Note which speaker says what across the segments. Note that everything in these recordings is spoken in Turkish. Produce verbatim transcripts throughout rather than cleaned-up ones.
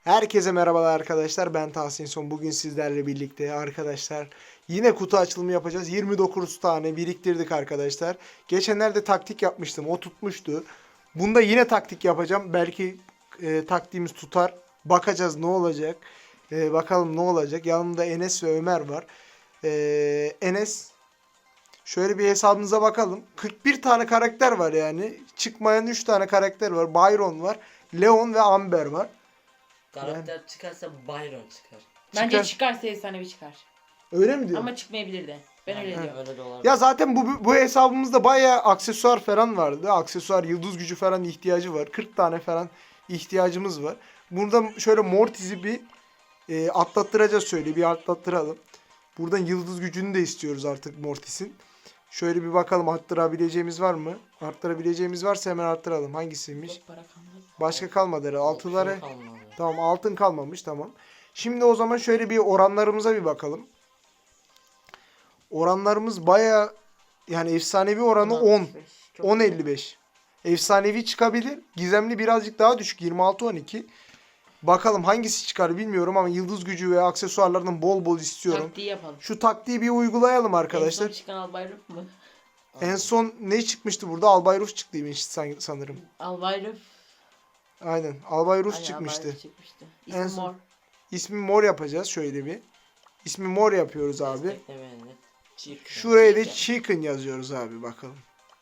Speaker 1: Herkese merhabalar arkadaşlar. Ben Tahsin Son. Bugün sizlerle birlikte arkadaşlar yine kutu açılımı yapacağız. yirmi dokuz tane biriktirdik arkadaşlar. Geçenlerde taktik yapmıştım. O tutmuştu. Bunda yine taktik yapacağım. Belki e, taktiğimiz tutar. Bakacağız ne olacak. E, bakalım ne olacak. Yanımda Enes ve Ömer var. E, Enes, şöyle bir hesabımıza bakalım. kırk bir tane karakter var yani. Çıkmayan üç tane karakter var. Byron var. Leon ve Amber var.
Speaker 2: Karakter yani çıkarsa Byron çıkar.
Speaker 3: Bence
Speaker 1: Çıkar.
Speaker 3: çıkarsa efsanevi çıkar.
Speaker 1: Öyle mi diyorsun?
Speaker 3: Ama çıkmayabilir de. Ben öyle
Speaker 2: Yani
Speaker 3: diyorum.
Speaker 2: öyle de olabilir.
Speaker 1: Ya zaten bu bu hesabımızda bayağı aksesuar falan vardı. Aksesuar, yıldız gücü falan ihtiyacı var. kırk tane falan ihtiyacımız var. Burada şöyle Mortis'i bir e, atlattıracağız şöyle bir atlattıralım. Buradan yıldız gücünü de istiyoruz artık Mortis'in. Şöyle bir bakalım arttırabileceğimiz var mı? Arttırabileceğimiz varsa hemen arttıralım. Hangisiymiş?
Speaker 3: Çok para kalmadı.
Speaker 1: Başka kalmadı herhalde. Altıları.
Speaker 2: Altın kalmadı.
Speaker 1: Tamam, altın kalmamış, tamam. Şimdi o zaman şöyle bir oranlarımıza bir bakalım. Oranlarımız baya yani efsanevi oranı on.
Speaker 3: Çok
Speaker 1: on
Speaker 3: güzel.
Speaker 1: elli beş. Efsanevi çıkabilir. Gizemli birazcık daha düşük. yirmi altı on iki. Bakalım hangisi çıkar bilmiyorum ama yıldız gücü ve aksesuarlardan bol bol istiyorum.
Speaker 3: Taktiği yapalım.
Speaker 1: Şu taktiği bir uygulayalım arkadaşlar.
Speaker 3: En son çıkan Albayruf mu?
Speaker 1: En son ne çıkmıştı burada? Albayruf çıktıymış san- sanırım.
Speaker 3: Albayruf.
Speaker 1: Aynen. Albayruf
Speaker 3: Aynen,
Speaker 1: çıkmıştı.
Speaker 3: Albayruf çıkmıştı.
Speaker 1: En
Speaker 3: İsmi
Speaker 1: son-
Speaker 3: mor.
Speaker 1: İsmi mor yapacağız şöyle bir. İsmi mor yapıyoruz abi.
Speaker 2: Desteklemeyenler çıkar.
Speaker 1: Şuraya da
Speaker 3: Chicken.
Speaker 1: chicken yazıyoruz abi, bakalım.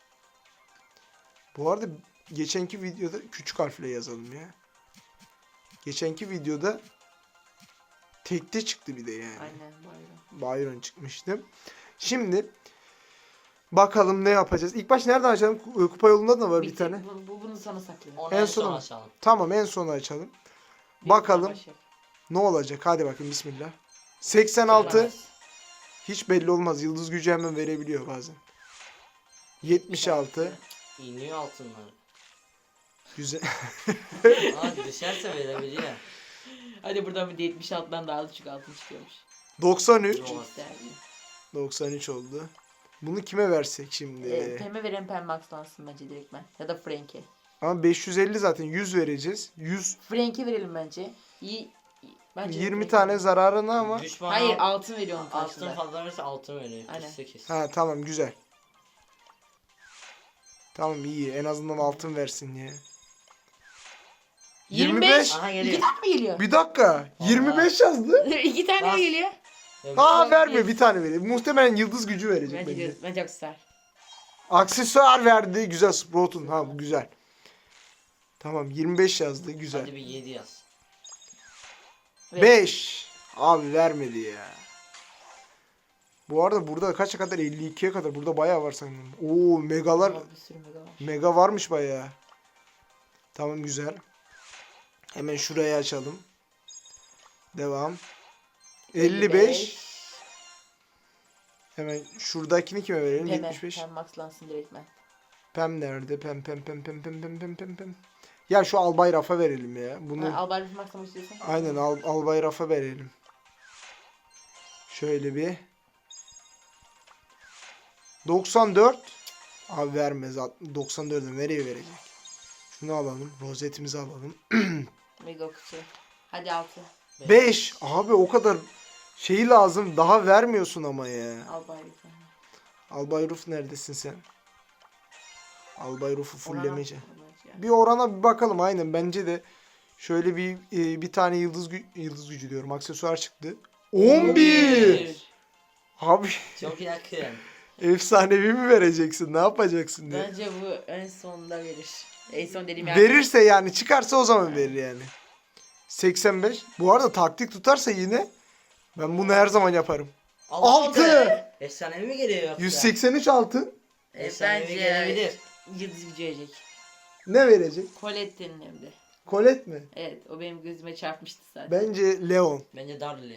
Speaker 1: Bu arada geçenki videoda küçük harfle yazalım ya. Geçenki videoda tekte çıktı bir de yani.
Speaker 3: Aynen Bayram.
Speaker 1: Byron çıkmıştı. Şimdi bakalım ne yapacağız. İlk baş nereden açalım? Kupa yolunda da var bir
Speaker 3: Bitti.
Speaker 1: tane.
Speaker 3: Bu, bu, bunu sana saklayalım.
Speaker 2: Onu
Speaker 1: En
Speaker 2: en
Speaker 1: sona
Speaker 2: son
Speaker 1: mı?
Speaker 2: açalım.
Speaker 1: Tamam, en sona açalım.
Speaker 3: Bir
Speaker 1: Bakalım
Speaker 3: savaş yap.
Speaker 1: ne olacak. Hadi bakın, bismillah. seksen altı.
Speaker 2: Söylemez.
Speaker 1: Hiç belli olmaz. Yıldız gücü hemen verebiliyor bazen. yetmiş altı.
Speaker 2: İniyor altınlar.
Speaker 1: Güzel.
Speaker 2: Aa düşerse verebiliyor.
Speaker 3: Hadi buradan bir de yetmiş altıdan daha düşük altın çıkıyormuş.
Speaker 1: doksan üç.
Speaker 2: Yok.
Speaker 3: Değerli.
Speaker 1: doksan üç oldu. Bunu kime versek şimdi?
Speaker 3: Ee, pembe veren pembe akslansın bence direktmen. Ya da Frank'e.
Speaker 1: Ama beş yüz elli zaten, yüz vereceğiz. yüz
Speaker 3: Frank'e verelim bence. İyi. Bence
Speaker 1: yirmi
Speaker 3: Frank'e
Speaker 1: tane
Speaker 3: verelim.
Speaker 1: zararına ama.
Speaker 2: Düşman
Speaker 3: Hayır
Speaker 2: al-
Speaker 3: altın veriyor onun
Speaker 2: altın
Speaker 3: karşılığında.
Speaker 2: fazla verirse altın veriyor.
Speaker 3: Aynen.
Speaker 2: kırk sekiz.
Speaker 1: Ha tamam, güzel. Tamam, iyi. En azından altın versin ya.
Speaker 3: yirmi beş.
Speaker 1: yirmi beş.
Speaker 2: Aha
Speaker 3: İki
Speaker 2: geliyor.
Speaker 3: tane mi geliyor?
Speaker 1: Bir dakika. yirmi beş yazdı.
Speaker 3: İki tane
Speaker 2: Bas.
Speaker 3: mi geliyor?
Speaker 1: Aa,
Speaker 3: Yok,
Speaker 1: verme,
Speaker 3: yes.
Speaker 1: bir tane verir. Muhtemelen yıldız gücü verecek
Speaker 3: Bence
Speaker 1: bence.
Speaker 3: de, bence aksesuar.
Speaker 1: Aksesuar verdi. Güzel, Sprout'un. Ha, bu güzel. Tamam, yirmi beş yazdı. Güzel.
Speaker 2: Hadi bir yedi yaz.
Speaker 3: Ve-
Speaker 1: beş. Abi vermedi ya. Bu arada burada kaça kadar? elli ikiye kadar. Burada bayağı var sanırım. Oo, megalar.
Speaker 3: Aa, bir sürü mega var.
Speaker 1: Mega varmış bayağı. Tamam, güzel. Hemen şurayı açalım. Devam. elli beş. Hemen şuradakini kime verelim?
Speaker 3: Pembe.
Speaker 1: yetmiş beş.
Speaker 3: Pembe maxlansın direktmen.
Speaker 1: Pem nerede? Pem pem pem pem pem pem pem pem pem. Ya şu Albay Raf'a verelim ya. Bunu
Speaker 3: Ha, Albayruf maxlamak istiyorsan.
Speaker 1: aynen Al Albay Raf'a verelim. Şöyle bir. doksan dört. Abi vermez. doksan dördü nereye verecek? Şunu alalım. Rozetimizi alalım.
Speaker 3: Mega kutu. Hadi altı.
Speaker 1: beş. Abi o kadar şeyi lazım. Daha vermiyorsun ama ya.
Speaker 3: Albayruf.
Speaker 1: Albay Ruf neredesin sen? Albay Ruf'u fullemece.
Speaker 3: Orana-
Speaker 1: Bir orana bir bakalım, aynen bence de. Şöyle bir e, bir tane yıldız gü- yıldız gücü diyorum. Aksesuar çıktı. on bir. Abi
Speaker 2: Çok yakın.
Speaker 1: efsanevi mi vereceksin? Ne yapacaksın diye.
Speaker 3: Bence bu en sonunda verir. En son dediğim yer.
Speaker 1: Verirse yani, çıkarsa o zaman verir yani. seksen beş. Bu arada taktik tutarsa yine ben bunu her zaman yaparım. altı.
Speaker 2: Efsanevi mi geliyor yoksa?
Speaker 1: yüz seksen üç altın.
Speaker 3: E,
Speaker 2: Efsanevi
Speaker 3: bence
Speaker 2: gelebilir.
Speaker 3: yıldız gücü verecek.
Speaker 1: Ne verecek?
Speaker 3: Colette'nin hem de.
Speaker 1: Colette mi?
Speaker 3: Evet o benim gözüme çarpmıştı zaten.
Speaker 1: Bence Leon.
Speaker 2: Bence Darli.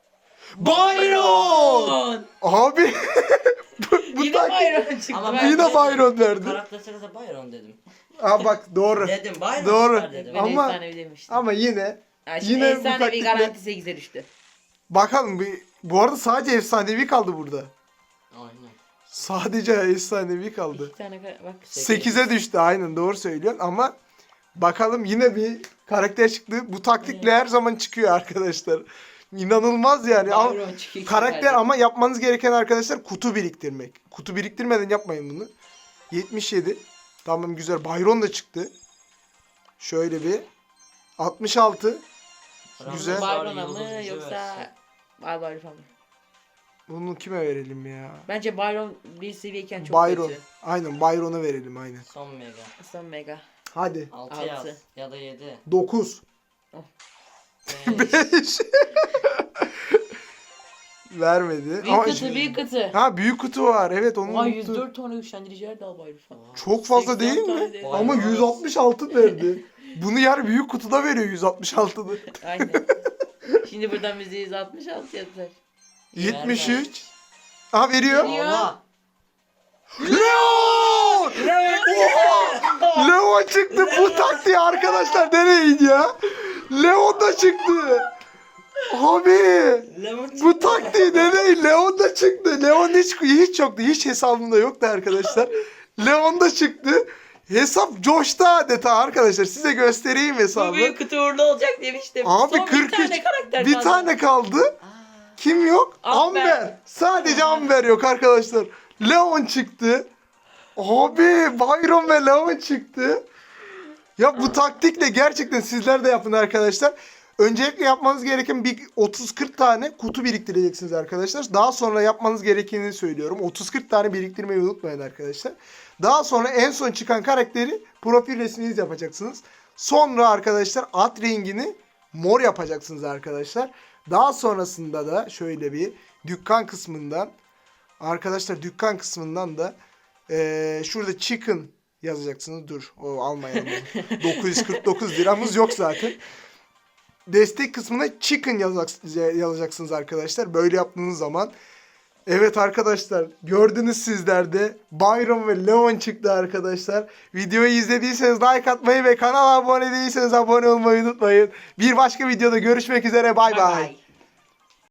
Speaker 1: Byron! Abi bu, bu
Speaker 3: Yine
Speaker 1: taktik.
Speaker 3: Byron çıktı.
Speaker 2: Ama
Speaker 3: Ben-
Speaker 1: Yine Byron verdi.
Speaker 2: Karakter çıkarsa Byron dedim.
Speaker 1: Aa bak, doğru.
Speaker 2: Dedim Byron
Speaker 1: Doğru.
Speaker 2: çıkar dedim.
Speaker 3: Ben
Speaker 1: Ama-
Speaker 3: efsanevi demiştim.
Speaker 1: Ama yine
Speaker 3: Yani şimdi
Speaker 1: yine bu
Speaker 3: efsanevi
Speaker 1: taktikle-
Speaker 3: garanti sekize düştü.
Speaker 1: bakalım bir, bu arada sadece efsanevi kaldı burada.
Speaker 2: Aynen.
Speaker 1: Sadece efsanevi kaldı.
Speaker 3: İki tane kar- bak.
Speaker 1: sekize düştü, aynen doğru söylüyorsun ama Bakalım yine bir karakter çıktı. Bu taktikle her zaman çıkıyor arkadaşlar. İnanılmaz yani. Al-
Speaker 3: Byron çıkıyor.
Speaker 1: karakter ama yapmanız gereken arkadaşlar kutu biriktirmek. Kutu biriktirmeden yapmayın bunu. yetmiş yedi. Tamam güzel. Byron da çıktı. Şöyle bir. altmış altı. Güzel.
Speaker 3: Byron'a
Speaker 2: Yıldız
Speaker 3: mı
Speaker 2: gücü
Speaker 3: yoksa
Speaker 2: versin.
Speaker 3: Barbar falan mı?
Speaker 1: Bunu kime verelim ya?
Speaker 3: Bence Byron bir seviyeyken çok
Speaker 1: Byron.
Speaker 3: kötü.
Speaker 1: Aynen Byron'a verelim aynen.
Speaker 2: Son mega.
Speaker 3: Son mega.
Speaker 1: Hadi.
Speaker 2: altı yaz.
Speaker 3: Altı.
Speaker 2: Ya da yedi.
Speaker 1: dokuz.
Speaker 2: beş.
Speaker 1: beş. Vermedi.
Speaker 3: Büyük
Speaker 1: Ama-
Speaker 3: kutu büyük kutu.
Speaker 1: Ha büyük kutu var. Evet onu
Speaker 3: Vay
Speaker 1: unuttum.
Speaker 3: yüz dört tane güçlendirici yer daha Byron falan.
Speaker 1: Çok fazla
Speaker 3: seksen
Speaker 1: değil mi?
Speaker 3: tane de-
Speaker 1: Ama
Speaker 2: Byron.
Speaker 1: yüz altmış altı verdi. Bunu yer büyük kutuda veriyor yüz altmış altıda.
Speaker 3: Aynen. Şimdi buradan bize yüz altmış altı yazar.
Speaker 1: yetmiş üç. Aha veriyor.
Speaker 3: Veriyor.
Speaker 2: Allah.
Speaker 1: Leon! Oha! Leon çıktı. Bu taktiği arkadaşlar deneyin ya. Leon da çıktı. Abi.
Speaker 2: Lemon
Speaker 1: Bu taktiği deneyin. Leon da çıktı. Leon hiç, hiç yoktu. Hiç hesabımda yoktu arkadaşlar. Leon da çıktı. Hesap coştu adeta arkadaşlar. Size göstereyim
Speaker 3: Bu
Speaker 1: hesabı.
Speaker 3: büyük kutu uğurlu olacak demiştim.
Speaker 1: Abi
Speaker 3: Son
Speaker 1: kırk üç.
Speaker 3: bir tane karakter
Speaker 1: Bir
Speaker 3: kaldı.
Speaker 1: tane kaldı. Kim yok?
Speaker 3: Amber.
Speaker 1: Amber. Sadece Amber yok arkadaşlar. Leon çıktı. Abi Byron ve Leon çıktı. Ya bu taktikle gerçekten sizler de yapın arkadaşlar. Öncelikle yapmanız gereken bir otuz kırk tane kutu biriktireceksiniz arkadaşlar. Daha sonra yapmanız gerekenini söylüyorum. otuz kırk tane biriktirmeyi unutmayın arkadaşlar. Daha sonra en son çıkan karakteri profil resminiz yapacaksınız. Sonra arkadaşlar at rengini mor yapacaksınız arkadaşlar. Daha sonrasında da şöyle bir dükkan kısmından arkadaşlar dükkan kısmından da eee, şurada chicken yazacaksınız. Dur o almayalım. onu. dokuz yüz kırk dokuz liramız yok zaten. Destek kısmına chicken yazak- yazacaksınız arkadaşlar. Böyle yaptığınız zaman. Evet arkadaşlar gördünüz sizler de Byron ve Leon çıktı arkadaşlar. Videoyu izlediyseniz like atmayı ve kanala abone değilseniz abone olmayı unutmayın. Bir başka videoda görüşmek üzere bay
Speaker 3: Bye
Speaker 1: bay.
Speaker 3: bye.